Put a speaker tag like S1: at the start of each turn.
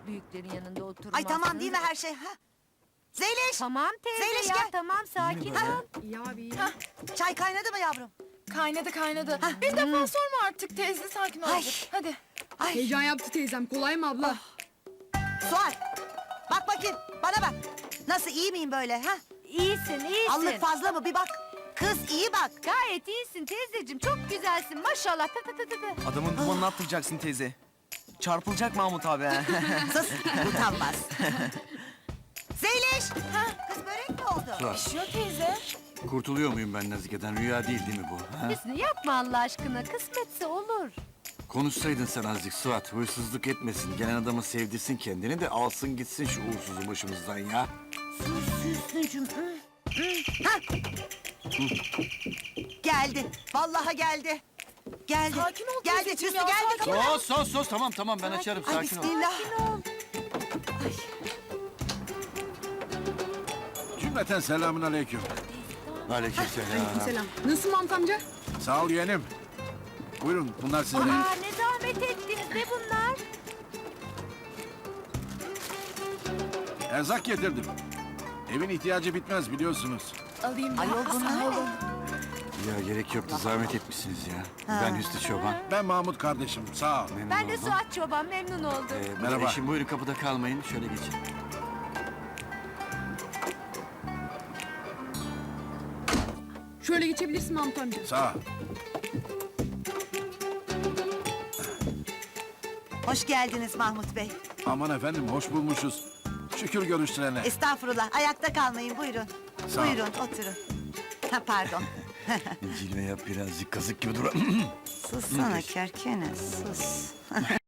S1: Büyüklerin yanında oturmazsın.
S2: Ay tamam değil mi her şey? Ha? Zeliş!
S1: Tamam teyze
S2: Zeliş
S1: ya
S2: gel.
S1: tamam sakin ol.
S3: İyi abi iyi.
S2: Çay kaynadı mı yavrum?
S4: Kaynadı. Bir defa sorma artık teyze, sakin ol.
S2: Ay.
S4: Hadi.
S2: Ay
S3: Heyecan yaptı teyzem. Kolay mı abla?
S2: Suat! Bak bakayım bana bak. Nasıl iyi miyim böyle ha?
S1: İyisin iyisin.
S2: Allık fazla mı bir bak. Kız iyi bak.
S1: Gayet iyisin teyzeciğim çok güzelsin maşallah. Tı tı tı tı tı.
S5: Adamın dumanını attıracaksın teyze. Çarpılacak Mahmut abi ha.
S2: Sus utanmaz. Zeliş! Kız börek mi oldu?
S6: Suat,
S4: Pişiyor teyze.
S6: kurtuluyor muyum ben Nazike'den? Rüya değil mi bu? Ha?
S1: Hüsnü yapma Allah aşkına kısmetse olur.
S6: Konuşsaydın sen azıcık Suat. Hırsızlık etmesin. Gelen adamı sevdirsin kendini de alsın gitsin şu uğursuzu başımızdan ya.
S2: Sus Hüsnü'cüm. Ha! Geldi. Vallahi geldi. Geldi.
S4: Sakin ol
S2: Geldi
S4: teyzeciğim
S2: Hüsnü
S4: ya,
S2: geldi.
S4: sakin
S2: kapıdan.
S6: Sos tamam ben açarım
S2: Ay
S6: sakin ol.
S2: bismillah.
S7: Cümleten selamun aleyküm.
S6: Aleykümselam.
S3: Selam. Nasıl Mahmut amca?
S7: Sağ ol yeğenim. Buyurun bunlar size.
S1: Aa ne zahmet ettiniz ne bunlar?
S7: Erzak getirdim. Evin ihtiyacı bitmez biliyorsunuz.
S4: Alayım ben.
S2: Ayol bunlar ne?
S6: Ya gerek yoktu zahmet etmişsiniz ya. Ben Hüsnü Çoban.
S7: Ben Mahmut kardeşim sağ ol.
S6: Memnun
S1: Ben de
S6: oldum.
S1: Suat Çoban memnun oldum.
S7: Merhaba.
S6: Eşim buyurun kapıda kalmayın. Şöyle geçin.
S3: Şöyle geçebilirsin Mahmut amca.
S7: Sağ ol.
S2: Hoş geldiniz Mahmut Bey.
S7: Aman efendim hoş bulmuşuz. Şükür görüşlerine.
S2: Estağfurullah. Ayakta kalmayın buyurun.
S7: Sağ ol.
S2: Buyurun oturun. Ha pardon.
S6: Cilve yap birazcık kazık gibi dur.
S2: Sussana kerkene sus.